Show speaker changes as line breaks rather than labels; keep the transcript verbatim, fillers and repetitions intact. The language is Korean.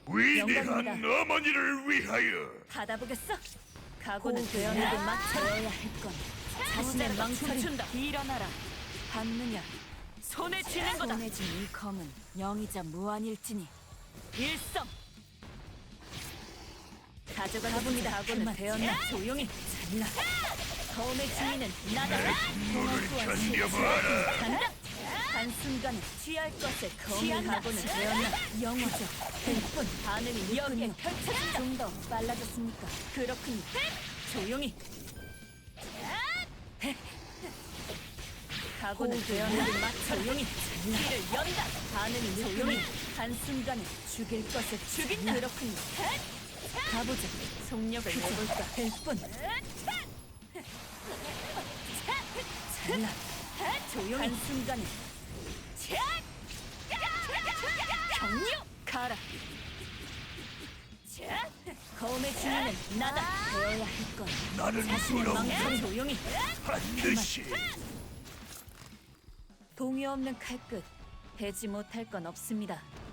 위대한
영광입니다.
어머니를 위하여.
받아보겠어? 각오는
호흡을
되었느고
맞춰야
맞춰야 할 건. 자신의
자신의
망설임
춤춘다.
일어나라. 받느냐?
손에 쥐는 거다.
손에 쥔 이 검은 영이자 무한일지니
일성.
가져가 봅니다. 각오는 되었나? 조용히 잘라. 검의 주인은 나다.
물을 견뎌봐라.
간다. 한순간에 취할 것에 검의
취한다.
각오는 되었나? 영어죠. 일뿐 반응이 여기에 펼쳐진다. 좀 더 빨라졌습니까? 그렇군요. 조용히. 각오는 되었나? 맞춰. 조용히. 길을 연다. 반응이 조용히. 한순간에 죽일 것을 죽인다. 그렇군요. 가보자. 속력을 내볼까? 일뿐. 잘라. 조용히. 한순간에 경류 가라. 검의 주인은 나다. 되어야 할 건
나는
자신의
부러워.
망설임. 조용히.
반드시.
동요 없는 칼끝 베지 못할 건 없습니다.